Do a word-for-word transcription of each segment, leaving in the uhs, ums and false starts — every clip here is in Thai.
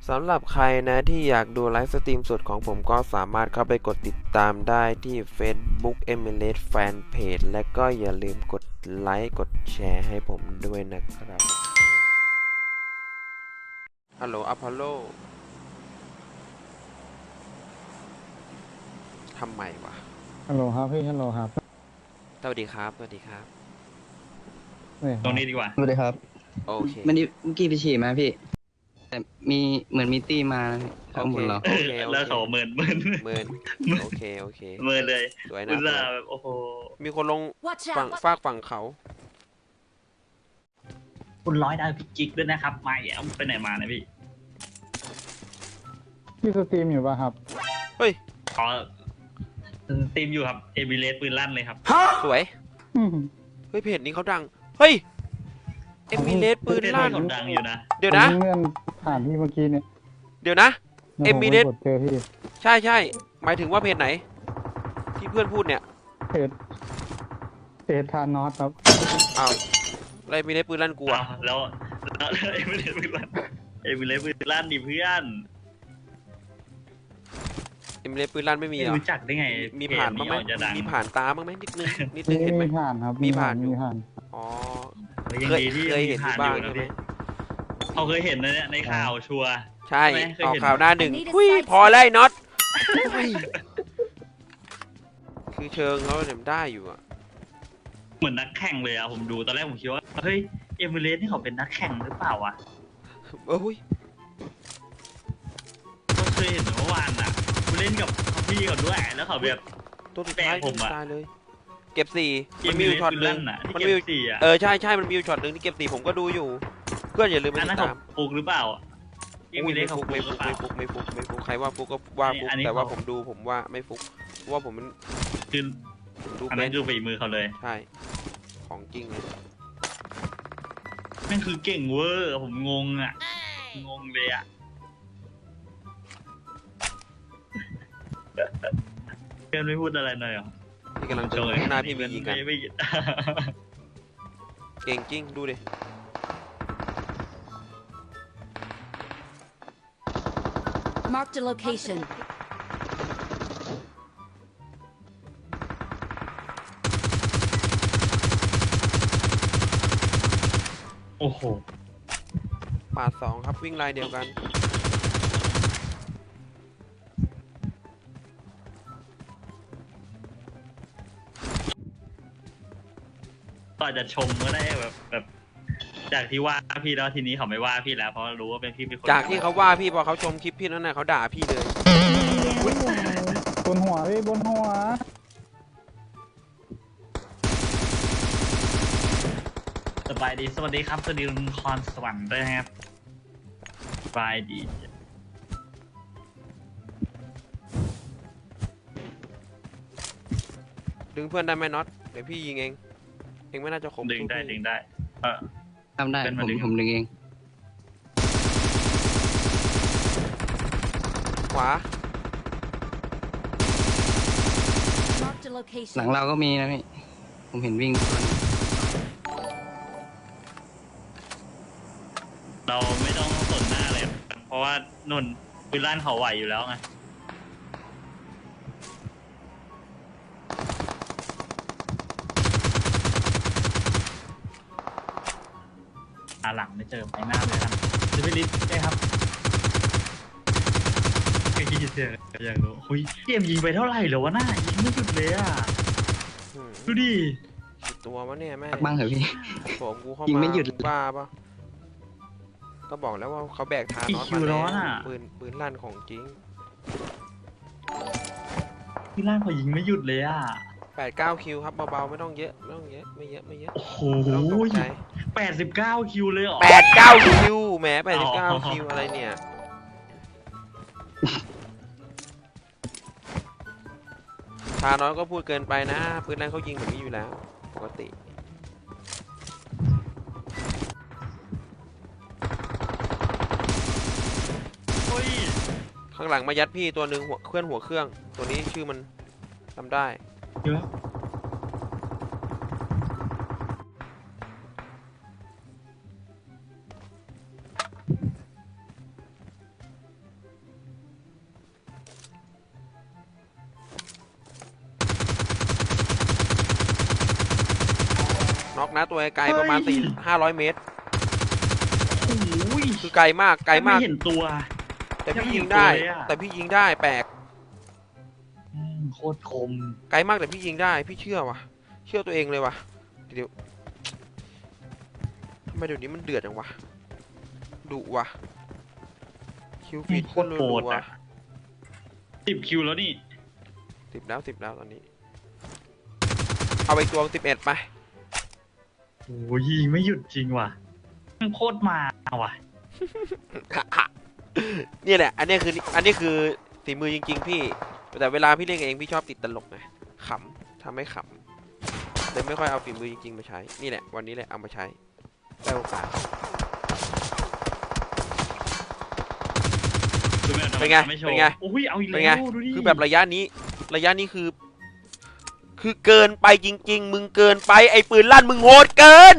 สำหรับใครนะที่อยากดูไลฟ์สตรีมสดของผมก็สามารถเข้าไปกดติดตามได้ที่ Facebook เอมิเลส Fanpage และก็อย่าลืมกดไลค์กดแชร์ให้ผมด้วยนะครับฮัลโหลอพอลโลทำไมวะฮัลโหลครับพี่ฮัลโหลครับสวัสดีครับสวัสดีครับตรงนี้ดีกว่าสวัสดีครับโอเคเมื่อกี้เมื่อกี้ไปฉี่มาพี่แต่มีเหมือนมีตี้มาข้างบนเราโอเคโอแล้วเคเขาเมินเมินเมินโอเคโอเคเมินเลยสวยนะอุตส่าห์แบบโอ้โหมีคนลง Watch ฝั่ง out! ฝากฝั่งเขาคุณร้อยดาวพิจิกด้วยนะครับมาแย่ไปไหนมานะพี่พี่สตรีมอยู่ป่ะครับเฮ้ยขอทีมอยู่ครับเอมิเลสปืนลั่นเลยครับสวยอืมเฮ้ยเพจนี้เขาดังเฮ้ยเอมิเลสปืนลั่นเขาดังอยู่นะเดี๋ยวนะผมเลื่อนผ่านพี่เมื่อกี้เนี่ยเดี๋ยวนะแล้วผม Emirates กดเจอพี่ใช่ใช่หมายถึงว่าเพจไหน ที่เพื่อนพูดเนี่ยเพจเพจทานอสครับอ้าวอะไรมีเลสปืนลั่นกูอ้าอะวแล้วแล้วเอมิเลสปืนลั่นเอมิเลสปืนลั่นดิเพื่อนเอมิเลสปืนลั่นไม่มีไม่เหรอรู้จักได้ไงมีผ่านบ้างไหมเพจออกจะดังมีผ่านตาบ้างไหมนิดนึงนิดนึมีงเห็นไหมมีผ่านครับมีผ่านอยู่มีผ่านอ๋อยังเคยดีที่เคยเห็นผ่านบ้างอยู่นะใช่ไหมพี่เขาเคยเห็นนะเนี่ยในข่าวชัวร์ใช่ใช่ไหมเคยออกเห็นข่าวหน้าหนึ่ง I need a หุ้ย side พอแล้วไอ้น็อตหุ้ยคือเชิงเขาเนี่ยได้อยู่อะเหมือนนักแข่งเลยอะผมดูตอนแรกผมคิดว่าเฮ้ยเอมิเลสนี่เขาเป็นนักแข่งหรือเปล่าวะเออหุ้ยก็เคยเห็นเมื่อวานอ่ะกูเล่นกับพี่เขาด้วยแล้วเขาแบบตัวสุดท้ายแปลกผมอะตายเลย เก็บสี่เกมันมมีมีอยู่ช็อตหนึ่งอ่ะที่มันเก็มีบสี่อ่ะเออใช่ใช่มันมีอยู่ช็อตหนึ่งที่เก็บสี่ผมก็ดูอยู่ เพื่อนอย่าลืมไปอันตินั้ดนเขาตามฟุกหรือเปล่าเอมิเลไม่สเขาฟุกฟุไม่กหฟุรืกอเปล่าไม่ฟุกไม่ฟุกไม่ฟุกใครว่าฟุกก็ว่าฟุกอันนี้แต่ว่าเขาผมดูผมว่าไม่ฟุกเพราะว่าผมมันคือผมดูอันเป็นั้น นคือฝีมือเขาเลยใช่ของจริงเลยนั่นคือเก่งเวอร์ผมงงอ่ะงงเลยอ่ะเพื่อนไม่พูดอะไรหน่อยเหรอพี่กำลังเจอข้างหน้าพี่มียิงกันไม่ไม่เก่งจริงดูดิ Marked a location. โอ้โหปาดสองครับวิ่งลายเดียวกันก็อาจจะชมก็ได้แบบแบบ จากที่ว่าพี่แล้วทีนี้เขาไม่ว่าพี่แล้วเพราะรู้ว่าเป็นพี่เป็นคนจากที่เขาว่าพี่พอเขาชมคลิปพี่นั่นน่ะเขาด่าพี่เลยบนหัวพี่บนหัวสบายดีสวัสดีครับสวัสดีคุณคอนสวรรค์ด้วยนะครับสบายดีดึงเพื่อนได้ไหมน็อตเดี๋ยวพี่ยิงเองเองไม่น่าจะคมดึงได้สู้พี่ดึงได้เออทำได้เป็นผมาม ดึงผมดึงเองขวา Marked a หลัง location. เราก็มีนะพี่ผมเห็นวิ่งตัวนึงเราไม่ต้องสนหน้าเลย เพราะว่านุ่นปืนลั่นเขาไหวอยู่แล้วไงอาหลังไม่เจอไปหน้าเลยครับจะไปลิฟต์ได้ครับไอ้ยี่เสียอยากรู้เฮ้ยเกมยิงไปเท่าไหร่เหรอวะหน้ายิงไม่หยุดเลยอ่ะอืมดูดิกี่ตัววะเนี่ยแม่พักบ้างเหรอพี่ผมกูเข้ายิงมาไม่หยุดบ้าปะก็บอกแล้วว่าเขาแบกทานอสมาแล้วปืนปืนลั่นของจริงพี่ล่างเขายิงไม่หยุดเลยอ่ะแปดเก้าคิวครับเบาๆไม่ต้องเยอะไม่ต้องเยอะไม่เยอะไม่เยอะโอ้โหไม่ต้องตกใจแปดสิบเก้าคิวเลยเหรอแปดเก้าคิวแหมแปดสิบเก้าอ๋อคิวอะไรเนี่ยทานอสก็พูดเกินไปนะปืนลั่นเขายิงแบบนี้อยู่แล้วปกติเฮ้ยข้างหลังมายัดพี่ตัวหนึ่งหัวเคลื่อนหัวเครื่อง ตัวนี้ชื่อมันจำได้เดี๋ยวนะตัวไกลๆประมาณเฮ้ยสี่ห้าร้อยเมตรโอ้ยคือไกลมากไกลมากไม่เห็นตัวแต่พี่ยังไม่ยิงเห็นได้ตัวเลยอะแต่พี่ยิงได้แปลกอืมโคตรคมไกลมากแต่พี่ยิงได้พี่เชื่อว่ะเชื่อตัวเองเลยว่ะเดี๋ยวทำไมเดี๋ยวนี้มันเดือดจังวะดุว่ะคิวฟีดโคขึ้ตนรรัโหดวอะสิบคิวแล้วนี่ๆสิบแล้วสิบแล้วตอนนี้ เอาไปตัวสิบเอ็ดไปโอ้ยยิงไม่หยุดจริงว่ะมันโคตรมาว่ะเนี่ยแหละอันนี้คืออันนี้คือฝีมือจริงๆพี่แต่เวลาพี่เล่นเองพี่ชอบติดตลกไงขำทำให้ขำเลยไม่ค่อยเอาฝีมือจริงๆมาใช้นี่แหละวันนี้แหละเอามาใช้ได้โอกาส เป็นไงเป็นไงโอ้ยเอาอีกเป็นไงแล้วดูดิคือแบบระยะนี้ระยะนี้คือ คือเกินไปจริง ๆ มึงเกินไปไอ้ปืนลั่นมึงโหดเกิน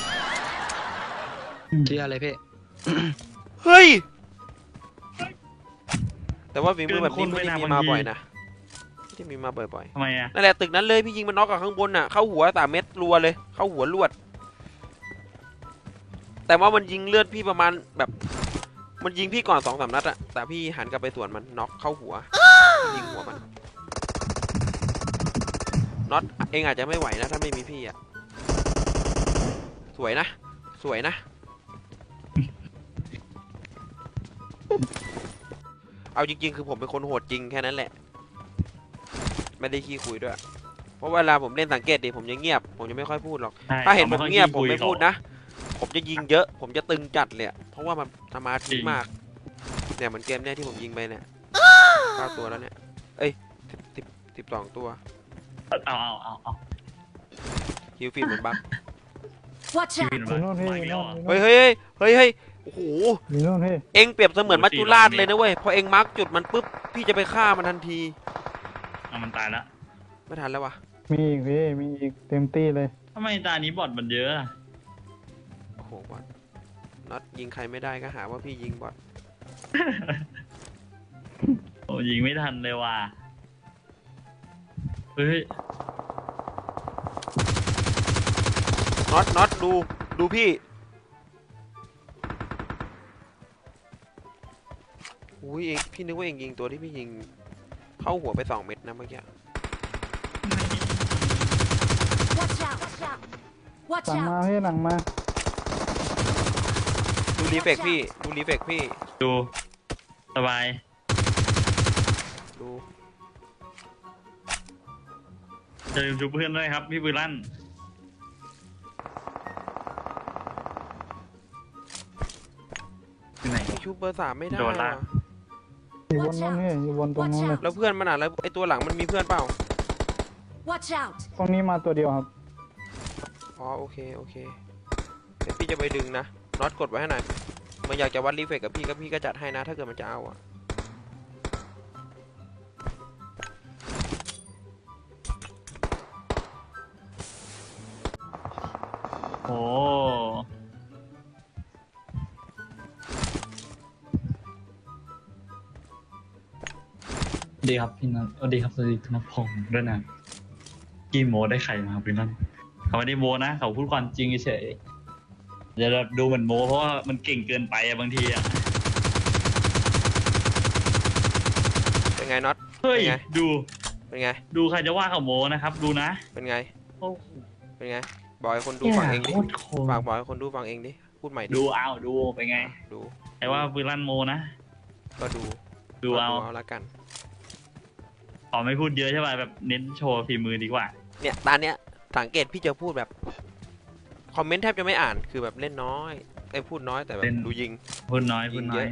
เชื่อเลยพี่เฮ้ยแต่ว่าฝีมือแบบนี้ไม่ได้มีมาบ่อยนะไม่ได้มีมาบ่อยๆทำไมอะนั่นแหละตึกนั้นเลยพี่ยิงมันน็อกกับข้างบนน่ะเข้าหัวสามเม็ดรัวเลยเข้าหัวลวด แต่ว่ามันยิงเลือดพี่ประมาณแบบ มันยิงพี่ก่อนสองสามนัดอะแต่พี่หันกลับไปสวนมันน็อกเข้าหัวยิงหัวมันน็อตเองอาจจะไม่ไหวนะถ้าไม่มีพี่อะสวยนะสวยนะ เอาจริงๆคือผมเป็นคนโหดจริงแค่นั้นแหละไม่ได้ขี้คุยด้วยเพราะเวลาผมเล่นสังเกตดิผมจะเงียบผมจะไม่ค่อยพูดหรอกใช่ถ้าเห็นผมเงียบขาผมค่อไม่พูดนะ ผมจะยิงเยอะ ผมจะตึงจัดเลยอะเพราะว่ามันสมาธิมาก เนี่ยเหมือนเกมเนี่ยที่ผมยิงไปเนี่ยเก้าตัวแล้วเนี่ย เอ้ยสิบสิบสิบสองตัวเอาเอาเอาเอาฮิวฟีดเหมือนบัก Watch ชีวิ out! ตมีมันโน่นพี่ไม่มีมีโน่อ่ะนเฮ้ยเฮ้ยเฮ้ยเฮ้ยโอ้โหมีโน่นพี่เอ็งเปรียบเสมือนโอ้มัจตีจุราชเราเลยนะเว้ย พอเอ็งมาร์กจุดมันปุ๊บ พี่จะไปฆ่ามันทันทีเอามันตายแล้วไม่ทันแล้ววะมีอีกพี่มีอีกเต็มตี้เลยทำไมตานี้บอทมันเยอะอะโอ้โหบอทน็อตยิงใครไม่ได้ก็หาว่าพี่ยิงบอทโอ้ยิงไม่ทันเลยว่ะเฮ้ยน็อตน็อตดู ดูพี่ อุ้ยเองพี่นึกว่าเองยิงตัวที่พี่ยิง เข้าหัวไปสองเม็ดนะเมื่อกี้ Watch out! Watch out! Watch หลังมา out! พี่หลังมาดูรีเฟกพี่ ดูรีเฟกพี่ดูสบายดูจะลืมชูเพื่อนด้วยครับ พี่บุญลั่น ที่ไหนพี่ชูเบอร์สามไม่ได้โดนลากว่ะอยู่บนโน้นพี่อยู่บนตรงนู้นเลยแล้วเพื่อนมันอ่ะแล้วไอตัวหลังมันมีเพื่อนเปล่า Watch out! ตรงนี้มาตัวเดียวครับอ๋อโอเคโอเคเดี๋ยวพี่จะไปดึงนะน็อตกดไว้ให้หน่อยมันอยากจะวัดรีเฟกกับพี่ก็พี่ก็จัดให้นะถ้าเกิดมันจะเอาอ่ะโอ้ดีครับพี่นัทสวัสดีครับสวัสดีธนพงศ์ด้วยนะกี่โมได้ใครมาครับพี่นัทเขาไม่ได้โมนะเขาพูดความจริงเฉยจะแบบดูเหมือนโมเพราะว่ามันเก่งเกินไปอะบางทีอะเป็นไงน็อตเฮ้ยเป็นไงดูเป็นไงดูใครจะว่าเขาโมนะครับ ดูนะเป็นไงโอ้โหเป็นไงบอกให้คนดูฟังเองดิโคตรคมฝากบอกให้คนดูฟังเองดิพูดใหม่ดิดูเอาดูเป็นไงดูแต่ว่าบุญลั่นโมนะก็ดูดูเอาเอาละกันขอไม่พูดเยอะใช่ป่ะแบบเน้นโชว์ฝีมือดีกว่าเนี่ยตอนเนี้ยสังเกตพี่จะพูดแบบคอมเมนต์แทบจะไม่อ่านคือแบบเล่นน้อยไอ้พูดน้อยแต่แบบเล่นดูยิงพูดน้อยพูดน้อยยิงเยอะ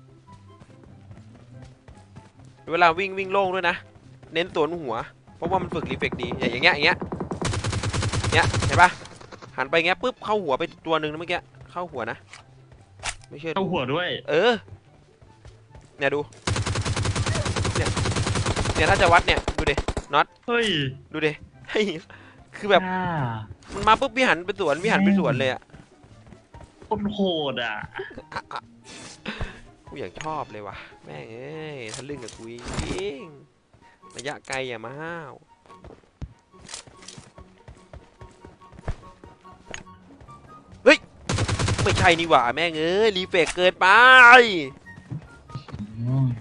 เวลาวิ่งวิ่งโล่งด้วยนะ เน้นสวนหัว เพราะว่ามันฝึกรีเฟกดีอย่างเงี้ยอย่างเงี้ยเงี้ยเห็นปะหันไปเงี้ยปุ๊บเข้าหัวไปตัวหนึ่งนะเมื่อกี้เข้าหัวนะไม่เชื่อเข้าดูหัวด้วยเออเนี่ยดูเนี่ยเนี่ยถ้าจะวัดเนี่ยดูดิน็อตเฮ้ยดูดิเฮ้ยคือแบบอ่ามันมาปุ๊บพี่หันไปสวนพี่หันไปสวนเลยอะโคตรโหดอ่ะกูอยากชอบเลยว่ะแม่งเอ้ยทะลึ่งกับกูจริงระยะไกลอย่ามาห้าวไม่ใช่นี่หว่าแม่งเอ้ยรีเฟกเกินไปอืม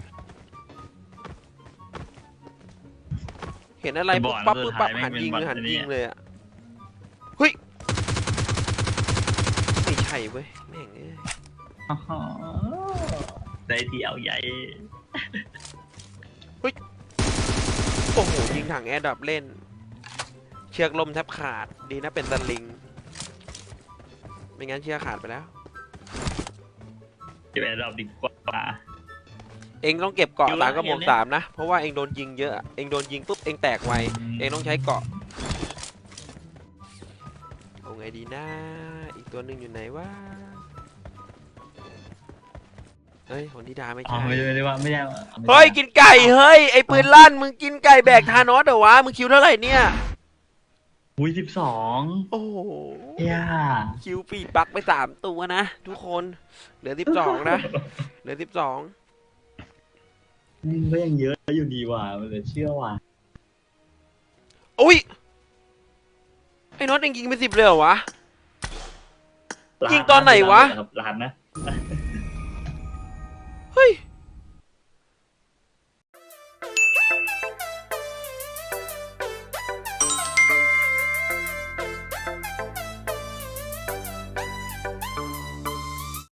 เห็นอะไรไอ้บปุ๊อบ ดปั๊บสุปุ๊ดบปั๊บท้ายหันยิงแม่งเป็นหันแบบนี้ยิงเลยอะเฮ้ยไม่ใช่เว้ยแม่งเอ้ยอ๋อได้เดียวใหญ่โอ้โหยิงถังแอร์ดับเล่น เชือกลมแทบขาดดีนะเป็นสลิงไม่งั้นเชือกขาดไปแล้วจะไปรอบดีกว่าเองต้องเก็บเกาะอยู่สามละกระบอกเดี๋ยวสามนะเพราะว่าเองโดนยิงเยอะเองโดนยิงปุ๊บเองแตกไวอืมเองต้องใช้เกาะเอาไงดีนะอีกตัวหนึ่งอยู่ไหนวะเฮ้ยของธิดาไม่อ๋อใช่ไม่ได้ไม่ได้ว่าไม่ได้ว่าไม่ได้เฮ้ยกินไก่เฮ้ยไอปืนลั่นมึงกินไก่แบกทานอสเหรอวะมึงคิวเท่าไหร่เนี่ยอุ้ยสิบสองโอ้โหย่าคิวปีปักไปสามตัวนะทุกคนเหลือสิบสองนะเหลือสิบสองนี่ก็ยังเยอะอยู่ดีว่ะมันเลยเชื่อว่ะอุ้ยไอ้น็อตเองยิงไปสิบเลยเหรอวะ ยิงตอนไหนวะร้านนะเฮ้ย